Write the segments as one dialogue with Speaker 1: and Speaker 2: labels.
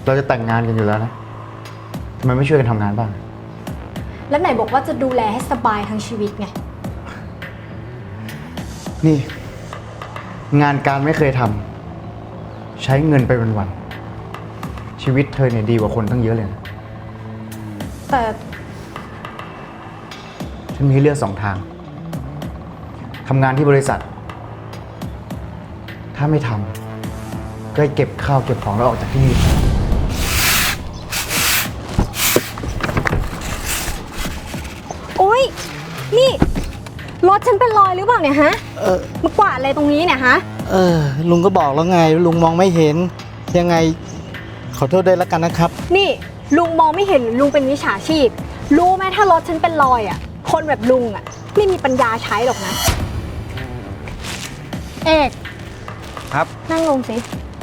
Speaker 1: เราจะแต่งงานกันอยู่แล้วนะทำไมไม่ช่วยกันทำงานบ้าง
Speaker 2: แล้วไหนบอกว่าจะดูแลให้สบายทั้งชีวิตไง
Speaker 1: นี่ งานการไม่เคยทำใช้เงินไปวันๆชีวิตเธอเนี่ยดีกว่าคนตั้งเยอะเลยนะ
Speaker 2: แต่
Speaker 1: ฉันมีให้เลือก2 ทางทำงานที่บริษัท ถ้าไม่ทำก็ให้เก็บข้าวเก็บของแล้วออกจากที่นี่
Speaker 2: โอ๊ยนี่รถฉันเป็นรอยหรือเปล่าเนี่ยฮะมากวาดอะไรตรงนี้เนี่ยฮะ
Speaker 3: ลุงก็บอกแล้วไงลุงมองไม่เห็นยังไงขอโทษด้วยแล้วกันนะครับ
Speaker 2: นี่ลุงมองไม่เห็นหรือลุงเป็นมิจฉาชีพรู้ไหมถ้ารถฉันเป็นรอยอ่ะคนแบบลุงอ่ะไม่มีปัญญาใช้หรอกนะเอก
Speaker 3: ครับ
Speaker 2: นั่งลงสิ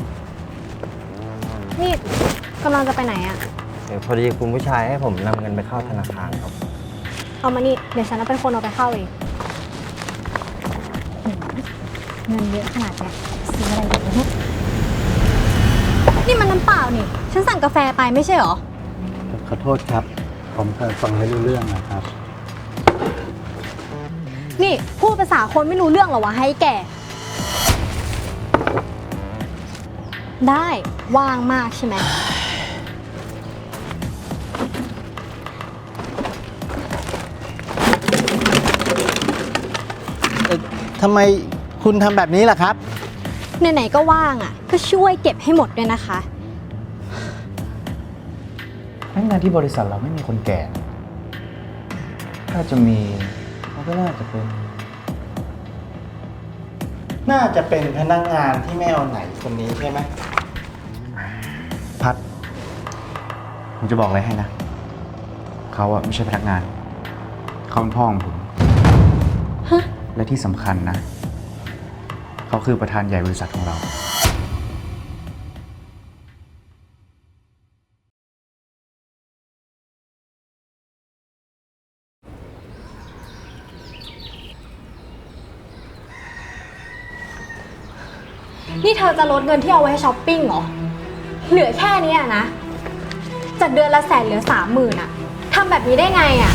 Speaker 2: นี่กำลังจะไปไหนอ่ะ
Speaker 3: พอดีคุณผู้ชายให้ผมนำเงินไปเข้าธนาคารครับ
Speaker 2: เอามานี่เดี๋ยวฉันเป็นคนเอาไปเข้าเองเงินเยอะขนาดเนี้ยซื้ออะไรดีเนี่ยนี่มันน้ำเปล่านี่ฉันสั่งกาแฟไปไม่ใช่เหรอ
Speaker 4: ขอโทษครับ ผมเคยฟังไม่รู้เรื่องนะครับ
Speaker 2: นี่พูดภาษาคนไม่รู้เรื่องเหรอวะให้แก่ ได้ว่างมากใช่ไหม
Speaker 3: ทำไมคุณทำแบบนี้ล่ะครับ
Speaker 2: ไหนๆก็ว่างอ่ะก็ช่วยเก็บให้หมดด้วยนะคะ
Speaker 1: พนักงานที่บริษัทเราไม่มีคนแก่ ถ้าจะมีเขาก็น่าจะเป็น
Speaker 3: น่าจะเป็นพนักงานที่ไม่เอาไหนคนนี้ใช่ไหม
Speaker 1: พัด ผมจะบอกอะไรให้นะ เขาอะไม่ใช่พนักงาน เขาเป็นพ่อของผม
Speaker 2: ฮะ
Speaker 1: และที่สำคัญนะ เขาคือประธานใหญ่บริษัทของเรา
Speaker 2: นี่เธอจะลดเงินที่เอาไว้ให้ช้อปปิ้งเหรอ เหลือแค่นี้อะนะ จากเดือนละ100,000เหลือ30,000อะทำแบบนี้ได้ไงอะ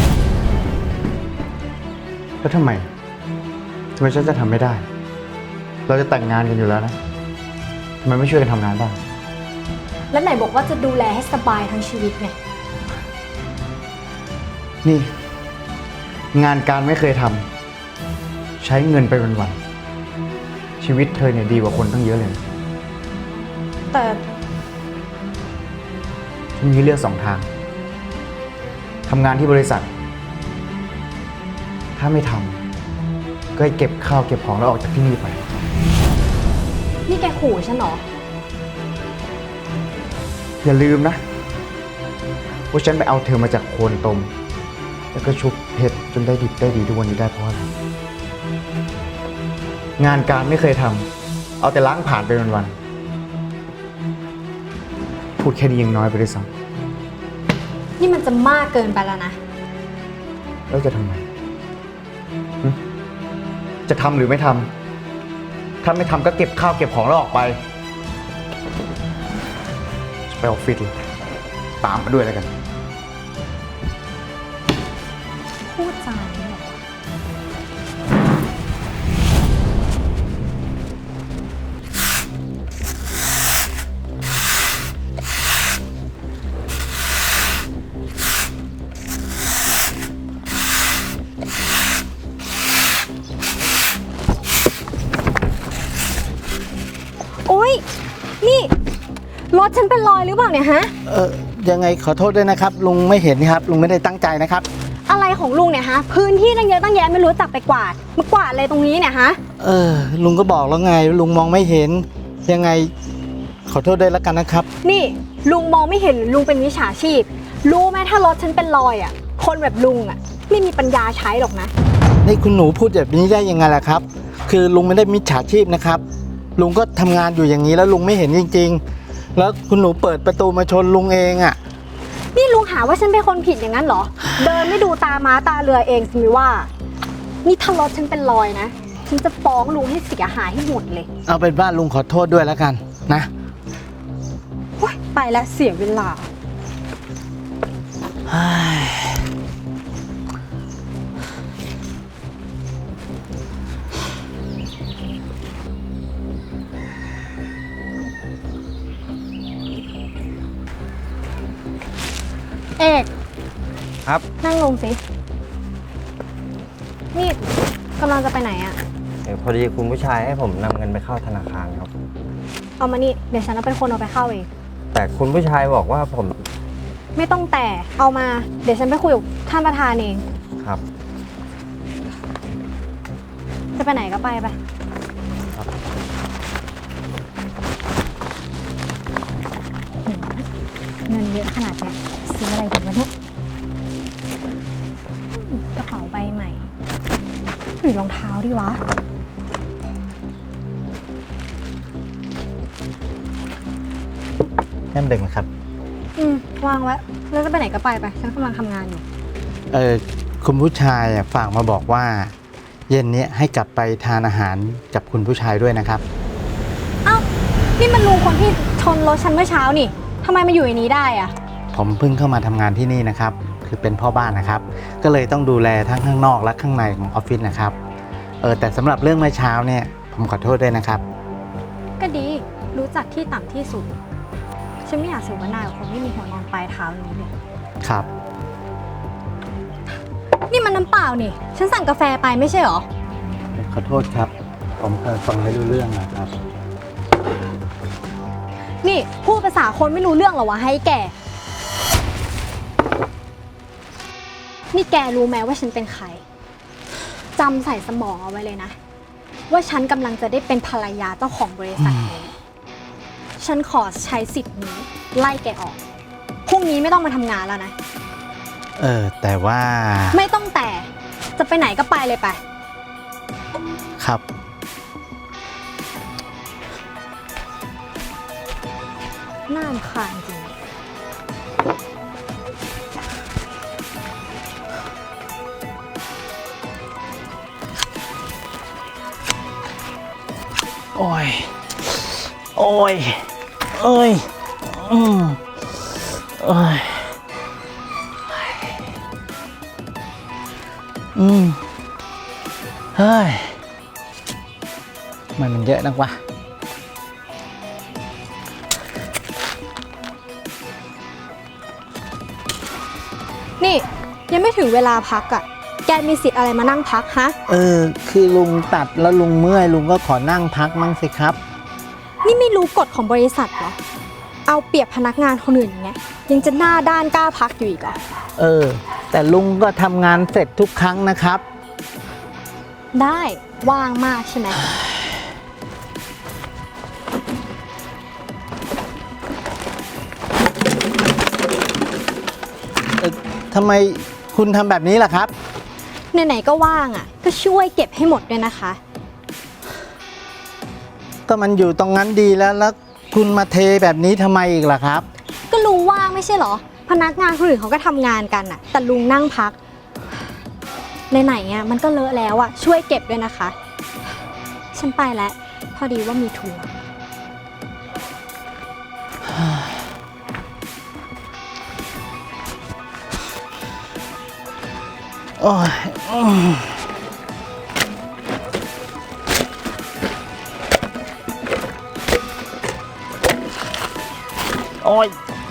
Speaker 1: แล้วทำไมฉันจะทำไม่ได้ เราจะแต่งงานกันอยู่แล้วนะทำไมไม่ช่วยกันทำงานบ้าง
Speaker 2: แล้วไหนบอกว่าจะดูแลให้สบายทั้งชีวิตไง
Speaker 1: นี่ งานการไม่เคยทำใช้เงินไปวันๆชีวิตเธอเนี่ยดีกว่าคนตั้งเยอะเลย
Speaker 2: แต่
Speaker 1: ฉันมีให้เลือก2 ทางทำงานที่บริษัท ถ้าไม่ทำก็ให้เก็บข้าวเก็บของแล้วออกจากที่นี่ไป
Speaker 2: นี่แกขู่ฉันเหรอ
Speaker 1: อย่าลืมนะว่าฉันไปเอาเธอมาจากโคลนตม แล้วก็ชุบเพชรจนได้ดิบได้ดีทุกวันนี้ได้เพราะอะไรงานการไม่เคยทำเอาแต่ล้างผ่านไปวันๆพูดแค่นี้ยังน้อยไปด้วยซ้
Speaker 2: นี่มันจะมากเกินไปแล้วนะ
Speaker 1: ำแล้วจะทำไมหึจะทำหรือไม่ทำถ้าไม่ทำก็เก็บข้าวเก็บของแล้วออกไปไปออฟฟิศเลยตามมาด้วยแล้วกัน
Speaker 2: พูดจานี้เหรอวะ โอ๊ย นี่รถฉันเป็นรอยหรือเปล่าเนี่ยฮะ
Speaker 3: ยังไงขอโทษด้วยนะครับลุงไม่เห็นครับลุงไม่ได้ตั้งใจนะครับ
Speaker 2: อะไรของลุงเนี่ยฮะ พื้นที่ตั้งเยอะตั้งแยะไม่รู้จักไปกวาดมากวาดอะไรตรงนี้เนี่ยฮะ
Speaker 3: ลุงก็บอกแล้วไงลุงมองไม่เห็นยังไงขอโทษด้วยแล้วกันนะครับ
Speaker 2: นี่ลุงมองไม่เห็นหรือลุงเป็นมิจฉาชีพรู้ไหมถ้ารถฉันเป็นรอยอ่ะคนแบบลุงอ่ะไม่มีปัญญาใช้หรอกนะ
Speaker 3: นี่คุณหนูพูดแบบนี้ได้ยังไงล่ะครับ คือลุงไม่ได้มิจฉาชีพนะครับลุงก็ทำงานอยู่อย่างนี้แล้วลุงไม่เห็นจริงๆแล้วคุณหนูเปิดประตูมาชนลุงเองอ่ะ
Speaker 2: นี่ลุงหาว่าฉันเป็นคนผิดอย่างนั้นเหรอ เดินไม่ดูตาม้าตาเรือเองสิมิว่า นี่ถ้ารถฉันเป็นรอยนะฉันจะฟ้องลุงให้เสียหายให้หมดเลย
Speaker 3: เอาเป็นว่าลุงขอโทษด้วยแล้วกันนะ
Speaker 2: โอ๊ยไปและเสียเวลา เอก
Speaker 1: ครับ
Speaker 2: นั่งลงสิ นี่กำลังจะไปไหนอะ
Speaker 5: พอดีคุณผู้ชายให้ผมนำเงินไปเข้าธนาคารครับ
Speaker 2: เอามานี่เดี๋ยวฉันจะเป็นคนเอาไปเข้าเอง
Speaker 5: แต่คุณผู้ชายบอกว่าผม
Speaker 2: ไม่ต้องแต่เอามาเดี๋ยวฉันไปคุยกับท่านประธานเอง
Speaker 5: ครับ
Speaker 2: จะไปไหนก็ไปไปเงินเยอะขนาดเนี้ยซื้ออะไรดีวะเนี่ยกระเป๋าใบใหม่หรือรองเท้าดีวะ
Speaker 3: แก้มเด็กนะครับ
Speaker 2: วางไว้แล้วจะไปไหนก็ไปไปฉันกำลังทำงานอยู่
Speaker 3: คุณผู้ชายฝากมาบอกว่า เย็นนี้ให้กลับไปทานอาหารกับคุณผู้ชายด้วยนะครับ
Speaker 2: เอ้านี่มันลุงคนที่ชนรถฉันเมื่อเช้านี่ทำไมมาอยู่ในนี้ได้อะ
Speaker 3: ผมเพิ่งเข้ามาทำงานที่นี่นะครับ คือเป็นพ่อบ้านนะครับ ก็เลยต้องดูแลทั้งข้างนอกและข้างในของออฟฟิศนะครับ แต่สำหรับเรื่องเมื่อเช้าเนี่ยผมขอโทษด้วยนะครับ
Speaker 2: ก็ดีรู้จักที่ต่ำที่สูงฉันไม่อยากเสวนากับคนไม่มีหัวนอนปลายเท้าอย่างนี้เลย
Speaker 3: ครับ
Speaker 2: นี่มันน้ำเปล่านี่ฉันสั่งกาแฟไปไม่ใช่เหรอ
Speaker 4: ขอโทษครับ ผมเคยฟังไม่รู้เรื่องนะครับ
Speaker 2: นี่พูดภาษาคนไม่รู้เรื่องเหรอวะให้แกนี่แกรู้ไหมว่าฉันเป็นใครจำใส่สมองเอาไว้เลยนะ ว่าฉันกำลังจะได้เป็นภรรยาเจ้าของบริษัทนี้ฉันขอใช้สิทธิ์นี้ไล่แกออกพรุ่งนี้ไม่ต้องมาทำงานแล้วนะ
Speaker 3: แต่ว่า
Speaker 2: ไม่ต้องแต่จะไปไหนก็ไปเลยไป
Speaker 3: ครับ
Speaker 2: น่ารำคาญจริง
Speaker 3: โอ้ย โอ้ย เอ้ย โอ้ย เฮ้ย มันเยอะนักวะ
Speaker 2: นี่ยังไม่ถึงเวลาพักอ่ะ แกมีสิทธิ์อะไรมานั่งพักฮะ
Speaker 3: คือลุงตัดแล้วลุงเมื่อยลุงก็ขอนั่งพักมั่งสิครับ
Speaker 2: นี่ไม่รู้กฎของบริษัทเหรอ เอาเปรียบพนักงานคนอื่นอย่างเงี้ยยังจะหน้าด้านกล้าพักอยู่อีกเหรอ
Speaker 3: แต่ลุงก็ทำงานเสร็จทุกครั้งนะครับ
Speaker 2: ได้ว่างมากใช่ไหม
Speaker 3: ทำไมคุณทำแบบนี้ล่ะครับ
Speaker 2: ไหนๆก็ว่างอ่ะ ก็ช่วยเก็บให้หมดด้วยนะคะ
Speaker 3: ก็มันอยู่ตรงนั้นดีแล้วคุณมาเทแบบนี้ทำไมอีกล่ะครับ
Speaker 2: ก็ลุงว่างไม่ใช่เหรอ พนักงานคนอื่นเขาก็ทำงานกันอ่ะ แต่ลุงนั่งพักไหนๆอ่ะมันก็เลอะแล้วอ่ะช่วยเก็บด้วยนะคะ ฉันไปแล้วพอดีว่ามีธุระ
Speaker 3: โอ้ยโอ้ย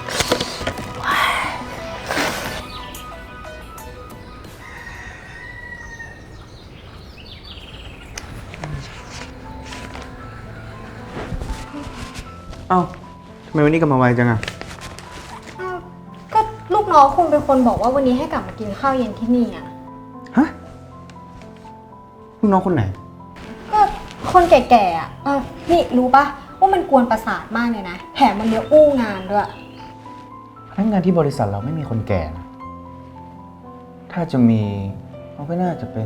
Speaker 1: เอ้าทำไมวันนี้กลับมาไวจังอะ
Speaker 2: ก็ลูกน้องคุณเป็นคนบอกว่าวันนี้ให้กลับมากินข้าวเย็นที่นี่อ่ะ
Speaker 1: ฮะลูกน้องคนไหน
Speaker 2: ก็คนแก่ๆอ่ะนี่รู้ปะว่ามันกวนประสาทมากเลยนะ แถมมันเยอะอู้งานด้วย
Speaker 1: พนักงานที่บริษัทเราไม่มีคนแก่นะถ้าจะมีเขาก็น่าจะเป็น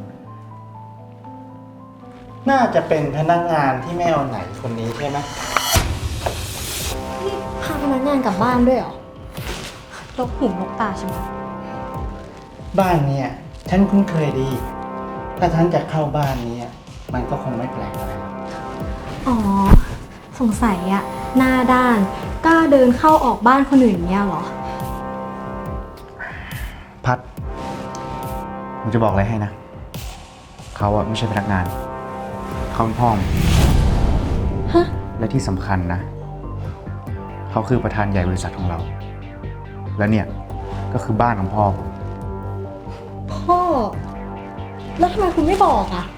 Speaker 3: น่าจะเป็นพนักงานที่ไม่เอาไหนคนนี้ใช่ไหม
Speaker 2: นี่พาพนักงานกลับบ้านด้วยเหรอลกหูลกตาใช่ไหม
Speaker 3: บ้านเนี่ยฉันคุ้นเคยดี ถ้าฉันจะเข้าบ้านนี้มันก็คงไม่แปลกอะไรหรอก
Speaker 2: อ๋อ สงสัยอ่ะหน้าด้านกล้าเดินเข้าออกบ้านคนอื่นเนี่ยเหรอ
Speaker 1: พัด ผมจะบอกอะไรให้นะ เขาอะไม่ใช่พนักงาน เขาเป็นพ่อผม
Speaker 2: ฮะ
Speaker 1: และที่สำคัญนะ เขาคือประธานใหญ่บริษัทของเรา และเนี่ยก็คือบ้านของพ่อผม
Speaker 2: พ่อ แล้วทำไมคุณไม่บอกอ่ะ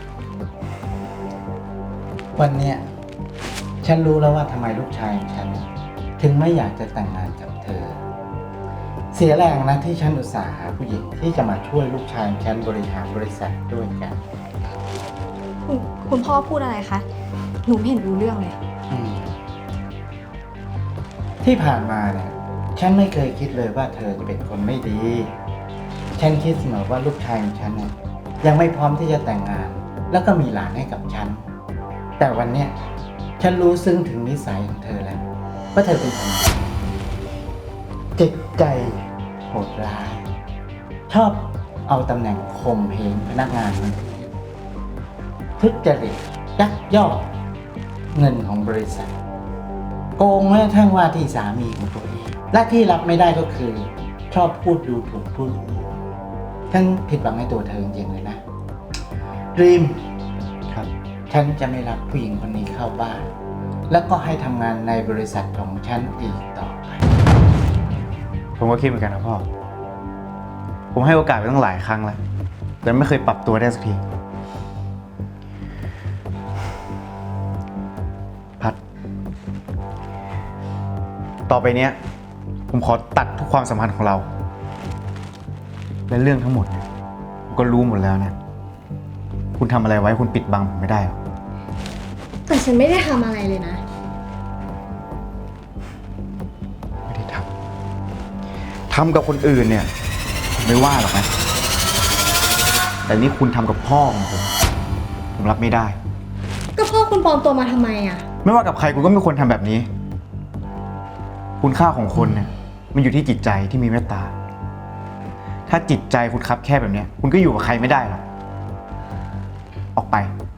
Speaker 3: วันเนี้ยฉันรู้แล้วว่าทำไมลูกชายของฉัน ถึงไม่อยากจะแต่งงานกับเธอ เสียแรงนะที่ฉันอุตส่าห์หาผู้หญิงที่จะมาช่วยลูกชายของฉันบริหารบริษัทด้วยกัน
Speaker 2: คุณพ่อพูดอะไรคะ หนูไม่เห็นรู้เรื่องเลย
Speaker 3: ที่ผ่านมาเนี่ยฉันไม่เคยคิดเลยว่าเธอจะเป็นคนไม่ดี ฉันคิดเสมอว่าลูกชายของฉันเนี่ยยังไม่พร้อมที่จะแต่งงาน แล้วก็มีหลานให้กับฉัน แต่วันเนี้ยฉันรู้ซึ้งถึงนิสัยของเธอแล้วว่าเธอเป็นคนจิตใจโหดร้าย ชอบเอาตำแหน่งข่มเหงพนักงานคนอื่นทุจริตยักยอกเงินของบริษัท โกงแม้กระทั่งว่าที่สามีของตัวเองและที่รับไม่ได้ก็คือ ชอบพูดดูถูกผู้อื่นฉันผิดหวังในตัวเธอจริงๆเลยนะรีม
Speaker 1: ครับ
Speaker 3: ฉันจะไม่รับผู้หญิงคนนี้เข้าบ้าน แล้วก็ให้ทำงานในบริษัทของฉันอีกต่อไป
Speaker 1: ผมก็คิดเหมือนกันนะพ่อ ผมให้โอกาสไปตั้งหลายครั้งแล้ว แต่ไม่เคยปรับตัวได้สักที พัด ต่อไปเนี้ย ผมขอตัดทุกความสัมพันธ์ของเรา และเรื่องทั้งหมดเนี่ยผมก็รู้หมดแล้วเนี่ย คุณทำอะไรไว้คุณปิดบังผมไม่ได้หรอก
Speaker 2: แต่ฉันไม่ได้ทำอะไรเลยนะ
Speaker 1: ไม่ได้ทำกับคนอื่นเนี่ยผมไม่ว่าหรอกนะ แต่นี่คุณทำกับพ่อของผมรับไม่ได้
Speaker 2: ก็พ่อคุณปลอมตัวมาทำไมอ่ะ
Speaker 1: ไม่ว่ากับใครคุณก็ไม่ควรทำแบบนี้ คุณค่าของคนเนี่ยมันอยู่ที่จิตใจที่มีเมตตา ถ้าจิตใจคุณคับแค่แบบเนี้ยคุณก็อยู่กับใครไม่ได้หรอก ออกไป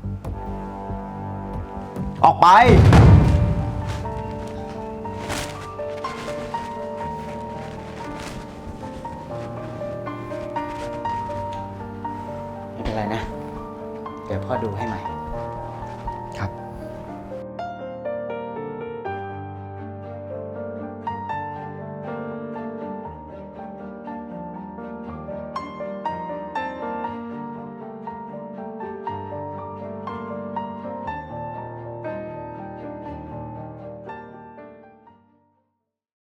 Speaker 1: ออกไป
Speaker 3: ไม่เป็นไรนะ เดี๋ยวพ่อดูให้ใหม่